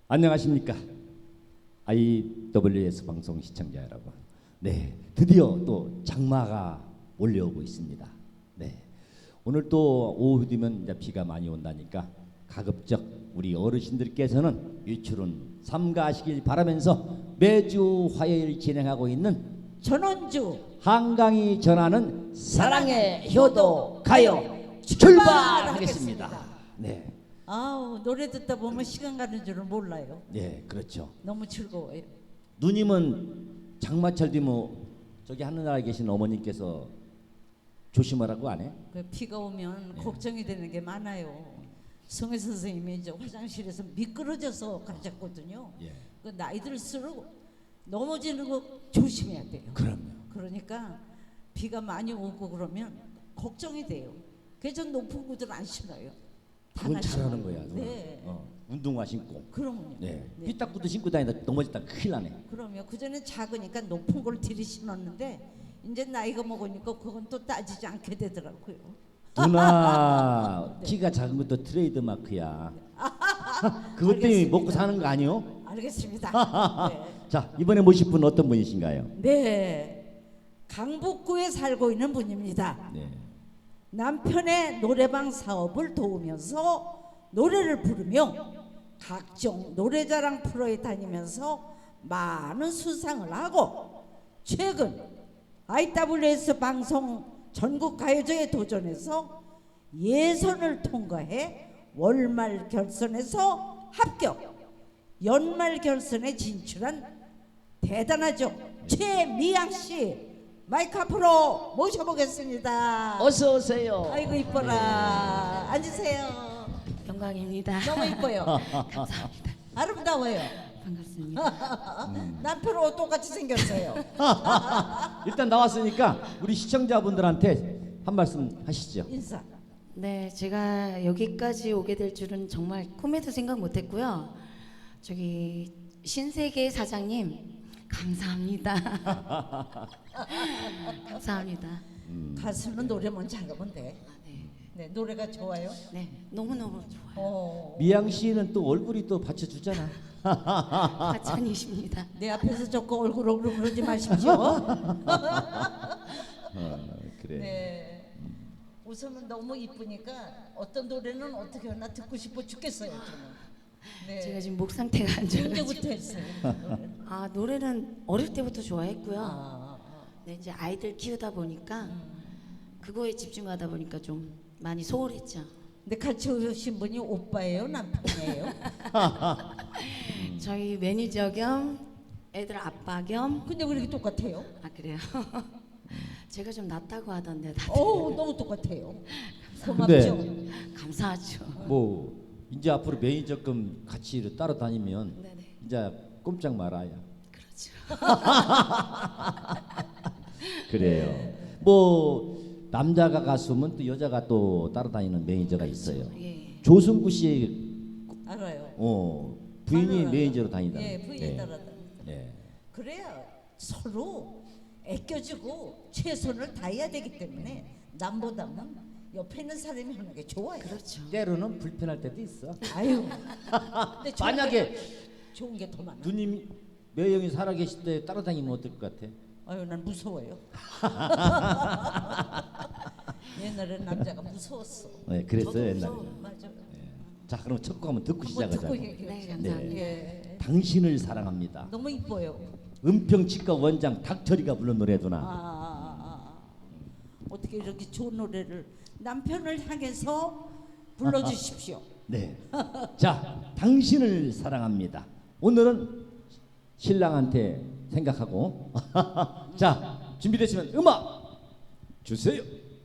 안녕하십니까 IWS 방송 시청자 여러분. 네, 드디어 또 장마가 몰려오고 있습니다. 네, 오늘 또 오후 되면 이제 비가 많이 온다니까 가급적 우리 어르신들께서는 외출은 삼가하시길 바라면서 매주 화요일 진행하고 있는 전원주 한강이 전하는 사랑의 효도 가요 출발하겠습니다. 네. 아우, 노래 듣다 보면 시간 가는 줄은 몰라요. 네, 그렇죠. 너무 즐거워요. 누님은 장마철 되면 저기 하늘나라에 계신 어머님께서 조심하라고 안 해? 그 비가 오면 걱정이 되는 게 많아요. 성혜 선생님이 저 화장실에서 미끄러져서 가셨거든요. 예. 그 나이 들수록 넘어지는 거 조심해야 돼요. 그럼요. 그러니까 비가 많이 오고 그러면 걱정이 돼요. 그래서 높은 구두를 안 신어요. 그건 잘하는 거야. 네. 운동화 신고. 그러면요. 네. 네. 삐딱구도 신고 다니다 넘어졌다 큰일 나네. 그러면 그전에 작으니까 높은 걸 들이 신었는데 이제 나이가 먹으니까 그건 또 따지지 않게 되더라고요. 누나 네. 키가 작은 것도 트레이드 마크야. 그것 때문에 알겠습니다. 먹고 사는 거 아니요? 알겠습니다. 자, 이번에 모실 분은 어떤 분이신가요? 네, 강북구에 살고 있는 분입니다. 네. 남편의 노래방 사업을 도우면서 노래를 부르며 각종 노래자랑 프로에 다니면서 많은 수상을 하고 최근 IWS 방송 전국 가요제에 도전해서 예선을 통과해 월말 결선에서 합격, 연말 결선에 진출한 대단하죠. 최미양 씨 마이크 앞으로 모셔보겠습니다. 어서 오세요. 아이고 이뻐라. 앉으세요. 영광입니다. 너무 이뻐요. 감사합니다. 아름다워요. 반갑습니다. 남편하고 똑같이 생겼어요. 일단 나왔으니까 우리 시청자분들한테 한 말씀 하시죠. 인사. 네, 제가 여기까지 오게 될 줄은 정말 꿈에도 생각 못했고요. 저기 신세계 사장님 감사합니다. 감사합니다. 가수는 노래만 잘하면 돼. 네, 네, 노래가 좋아요. 네, 너무 너무 좋아요. 미양 씨는 또 얼굴이 또 받쳐주잖아. 하찬이십니다. 내 앞에서 자꾸 얼굴 그러지 마십시오. 그래. 네. 웃으면 너무 이쁘니까 어떤 노래는 어떻게 하나 듣고 싶어 죽겠어요. 저는. 네. 제가 지금 목 상태가 안 좋아요. 언제부터 했어요? 노래는? 아, 노래는 어릴 때부터 좋아했고요. 아, 네, 이제 아이들 키우다 보니까 그거에 집중하다 보니까 좀 많이 소홀했죠. 근데 같이 오신 분이 오빠예요, 남편이에요? 저희 매니저 겸 애들 아빠 겸. 근데 왜 이렇게 똑같아요? 아, 그래요? 제가 좀 낫다고 하던데 다들. 너무 똑같아요. 근데 고맙죠. 감사하죠. 뭐 이제 앞으로 매니저금 같이 따로 다니면 네네. 이제 꼼짝 말아야. 그렇죠. 그래요. 뭐 남자가 가수면 또 여자가 또 따라다니는 매니저가 있어요. 예. 조승구 씨 알아요. 부인이 알아요. 매니저로 다니다. 예, 부인이 따라다니다. 네. 그래야 서로 애껴주고 최선을 다해야 되기 때문에 남보다는 옆에 있는 사람이 하는 게 좋아요. 그렇죠. 때로는 불편할 때도 있어. 아유. 근데 만약에 좋은 게 더 많아. 누님 매형이 살아 계실 때 따라다니면 어떨 것 같아? 아유, 난 무서워요. 옛날에 남자가 무서웠어. 네, 그랬어요 저도 옛날에. 무서워요. 맞아. 자, 그럼 첫 곡 한번 듣고 한번 시작하자. 듣고 얘기해. 네, 감사합니다. 예. 당신을 사랑합니다. 너무 이뻐요. 은평치과 원장 닥터리가 부른 노래구나. 어떻게 이렇게 좋은 노래를 남편을 향해서 불러주십시오. 네. 자, 당신을 사랑합니다. 오늘은 신랑한테 생각하고. 자, 준비되시면 음악 주세요.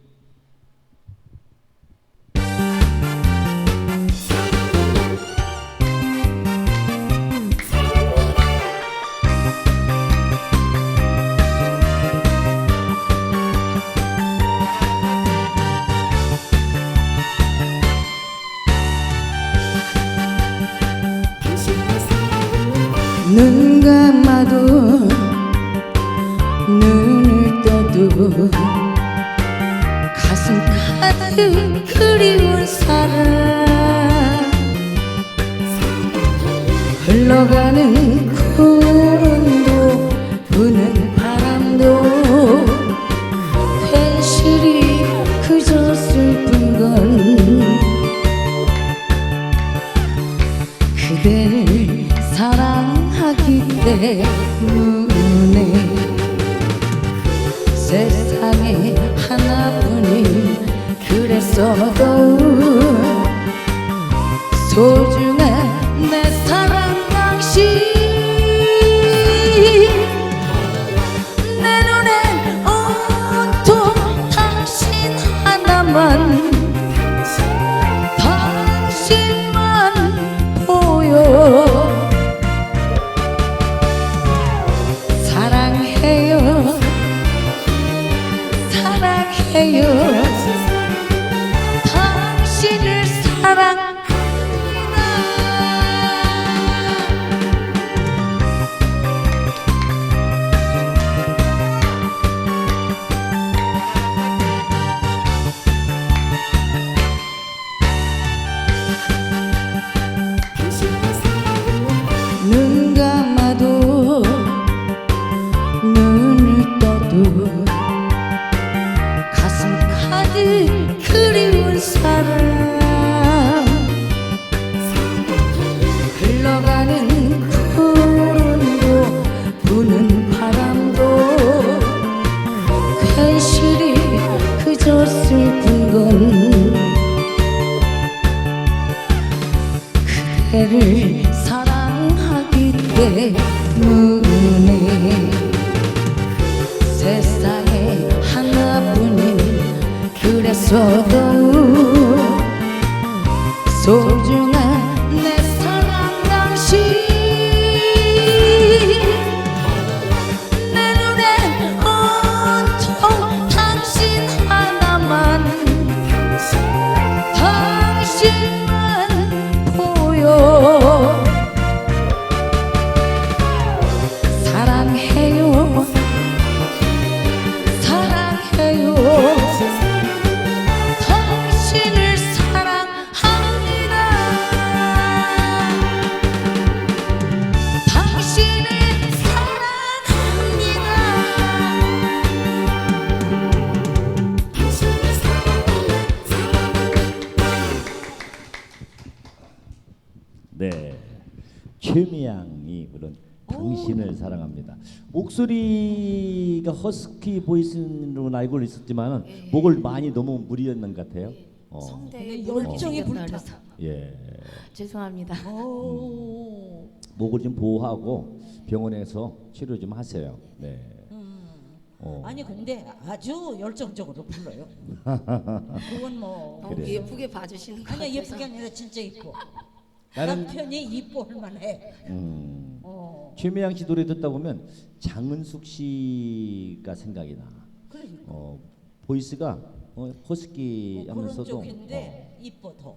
눈 감아도 눈을 떠도 가슴 가득 그리운 사람 흘러가는 구름도 부는 바람도 현실이 그저 슬픈 건 그대를 사랑하기 때문에 세상에 하나뿐인 그랬어도 소중한 내 사랑 당신 내 눈엔 온통 당신 하나만 당신만 보여 사랑해요 사랑해요 당신을 사랑합니다. 눈 감아도 눈을 떠도 가슴 가득 그리운 사람 흘러가는 구름도 부는 바람도 현실이 그저 슬픈 건 그대를 사랑하기 때문에 세상에 하나뿐인 그랬어도 소중한 내 사랑 당신 내 눈엔 온통 당신 하나만 당신만 보여 사랑해요 사랑해요 당신을 사랑합니다 당신을 사랑합니다 네, 최미양이 부른 당신을 사랑합니다. 목소리가 허스키 보이스로 알고 있었지만 목을 많이 너무 무리했는 것 같아요. 성대에 근데 열정이 불타. 예, 죄송합니다. 오. 목을 좀 보호하고 병원에서 치료 좀 하세요. 네. 아니 근데 아주 열정적으로 불러요. 그건 뭐 너무 그래요. 예쁘게 봐주시는 것 아니야 같아서 예쁘게 아니라 진짜 이뻐. 나는 남편이 이뻐할 만해. 최미양 씨 노래 듣다 보면 장은숙 씨가 생각이 나. 그러니까. 보이스가 허스키 그런 하면서도 쪽인데 이뻐 더.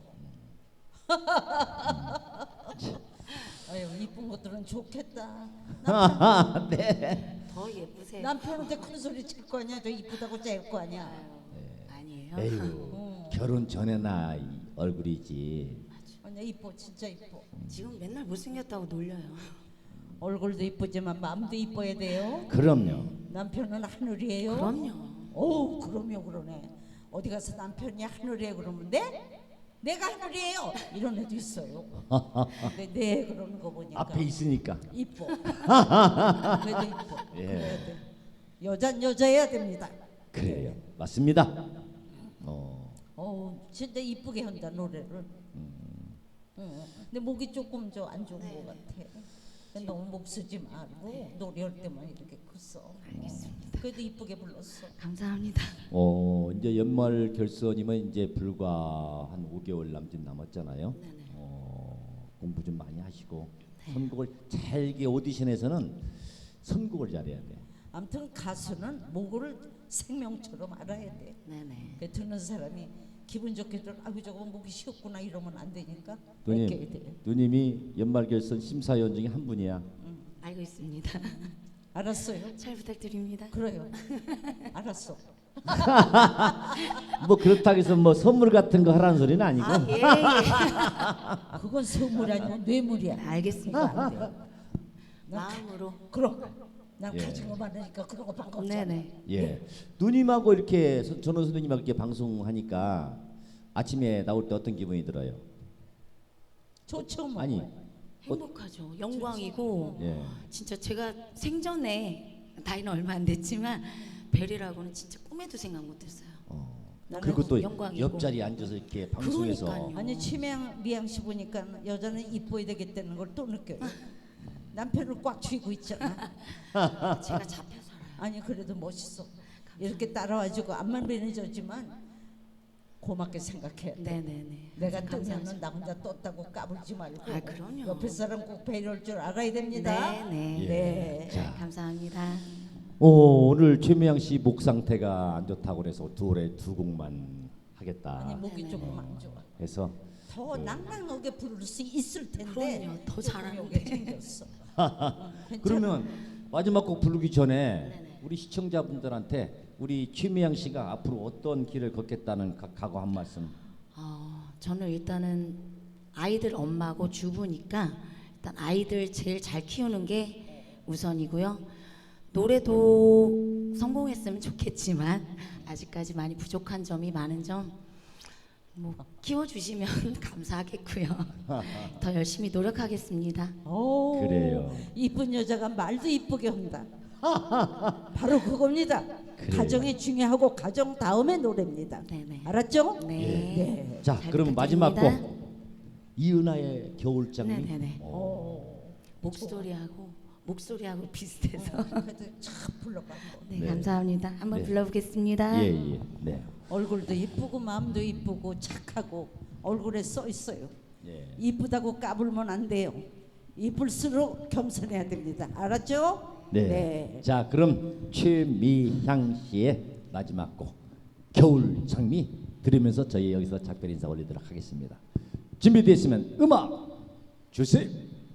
아유 이쁜 것들은 좋겠다. 네. 더 예쁘세요. 남편한테 큰 소리 칠 거 아니야. 저 이쁘다고 짤 거 아니야. 아니에요. 에휴, 결혼 전에나 이 얼굴이지. 아니야 이뻐 진짜 이뻐. 지금 맨날 못생겼다고 놀려요. 얼굴도 이쁘지만 마음도 이뻐야 돼요. 그럼요. 남편은 하늘이에요. 그럼요. 오 그럼요 그러네. 어디 가서 남편이 하늘이에요 그러면 내가 하늘이에요 이런 애도 있어요. 근데 네 그러는 거 보니까 앞에 있으니까. 이뻐. 그래도 이뻐. 예. 그래야 돼. 여잔 여자여야 됩니다. 그래요. 맞습니다. 진짜 이쁘게 한다 노래를. 근데 목이 조금 저 안 좋은 것 같아. 너무 목 쓰지 말고 노래할 때만 이렇게 컸어. 알겠습니다. 그래도 이쁘게 불렀어. 감사합니다. 이제 연말 결선이면 이제 불과 한 5개월 남짓 남았잖아요. 네네. 공부 좀 많이 하시고 선곡을 잘게 오디션에서는 선곡을 잘해야 돼. 아무튼 가수는 목을 생명처럼 알아야 돼. 네네. 그 듣는 사람이 기분 좋게 들어 아이고 저거 목이 쉬었구나 이러면 안 되니까 누님, 아껴야 돼. 누님이 연말 결선 심사위원 중에 한 분이야. 알고 있습니다. 알았어요? 잘 부탁드립니다. 그래요. 알았어. 뭐 그렇다고 해서 뭐 선물 같은 거 하라는 소리는 아니고. 아, 예, 예. 그건 선물이 아니고 뇌물이야. 알겠습니다. 그거 안 돼. 마음으로. 그럼 난 예. 가진 거 많으니까 그런 거 반갑잖아. 네네. 예. 누님하고 이렇게 전원 선생님하고 이렇게 방송하니까 아침에 나올 때 어떤 기분이 들어요? 좋죠 뭐. 아니. 행복하죠. 영광이고 예. 진짜 제가 생전에 나이는 얼마 안 됐지만 벨이라고는 진짜 꿈에도 생각 못했어요. 그리고 또 영광이고. 옆자리에 앉아서 이렇게 방송에서 그러니까요. 아니 치명 미양 씨 보니까 여자는 이뻐야 되겠다는 걸 또 느껴요. 남편을 꽉 쥐고 있잖아. 제가 잡혀 살아요. 아니 그래도 멋있어. 이렇게 따라와주고 앞만 매니저지만 고맙게 생각해. 네네네. 내가 감사하죠. 뜨면은 나 혼자 떴다고 까불지 말고 아, 그럼요. 옆에 사람 꼭 배려할 줄 알아야 됩니다. 네네. 예. 네. 자. 감사합니다. 오늘 최미양 씨 목 상태가 안 좋다고 그래서 올해 두 곡만 하겠다 아니 목이 네네네. 조금 안 좋아. 해서 더 낭낭하게 부를 수 있을 텐데 그럼요. 더 조금 잘하는데. 요게 생겼어. 괜찮아. 그러면 마지막 곡 부르기 전에 우리 시청자분들한테 우리 최미양 씨가 앞으로 어떤 길을 걷겠다는 각오 한 말씀. 저는 일단은 아이들 엄마고 주부니까 일단 아이들 제일 잘 키우는 게 우선이고요. 노래도 성공했으면 좋겠지만 아직까지 많이 부족한 점이 많은 점 뭐 키워주시면 감사하겠고요. 더 열심히 노력하겠습니다. 오, 그래요. 이쁜 여자가 말도 이쁘게 한다. 바로 그겁니다. 그래요. 가정이 중요하고 가정 다음에 노래입니다. 네네. 알았죠? 네. 네. 자, 잘 그럼 마지막 부탁드립니다. 곡 이은하의 겨울장미. 네네네. 오, 목소리하고 비슷해서. 그래도 참 불러봐. 네, 네. 감사합니다. 한번 네. 불러보겠습니다. 예, 예. 네. 얼굴도 이쁘고 마음도 이쁘고 착하고 얼굴에 써 있어요. 예. 이쁘다고 까불면 안 돼요. 이쁠수록 겸손해야 됩니다. 알았죠? 네. 자, 그럼 최미향 씨의 마지막 곡 겨울장미 들으면서 저희 여기서 작별 인사 올리도록 하겠습니다. 준비되었으면 음악 주세요.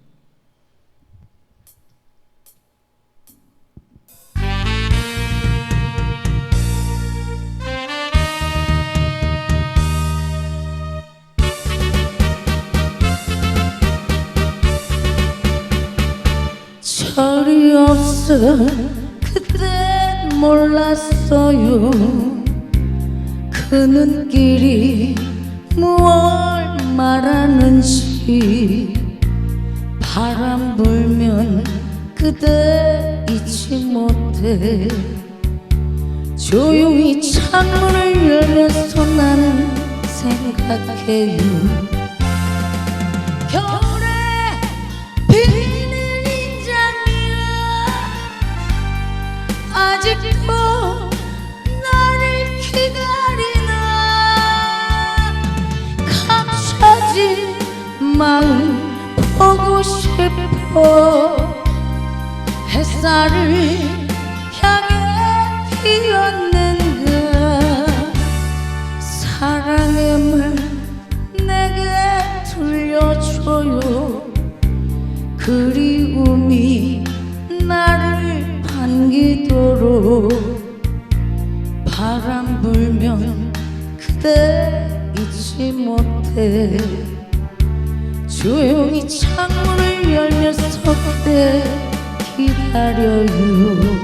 철이 없어 그때 몰랐어요. 그 눈길이 무얼 말하는지. 바람 불면 그대 잊지 못해. 조용히 창문을 열면서 나는 생각해요. 겨울에 피는 인장이야. 아직도 나를 기다리나. 감춰진 마음 보고 싶어. 햇살을 향해 피었는가. 사랑의 말 내게 들려줘요. 그리움이 나를 반기도록. 바람 불면 그대 잊지 못해. 조용히 창문을 열면서 그대 기다려요.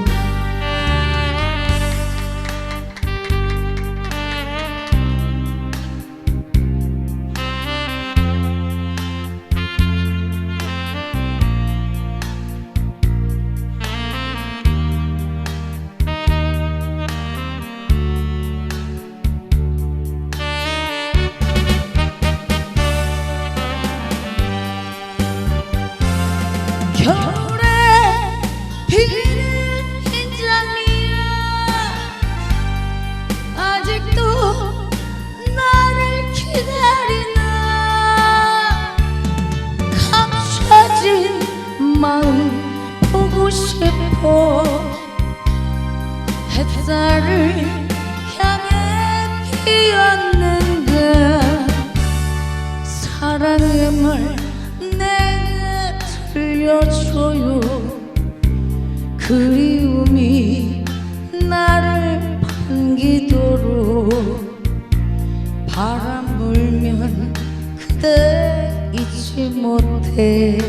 겨울에 피는 인장미야. 아직도 나를 기다리나. 감춰진 마음 보고 싶어. 햇살을 향해 피었는가. 사랑의 말 내게 들려줘요. 그리움이 나를 한 기도로 바람 불면 그대 잊지 못해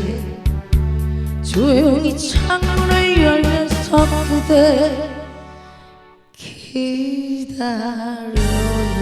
조용히 창문을 열면서 그대 기다려요.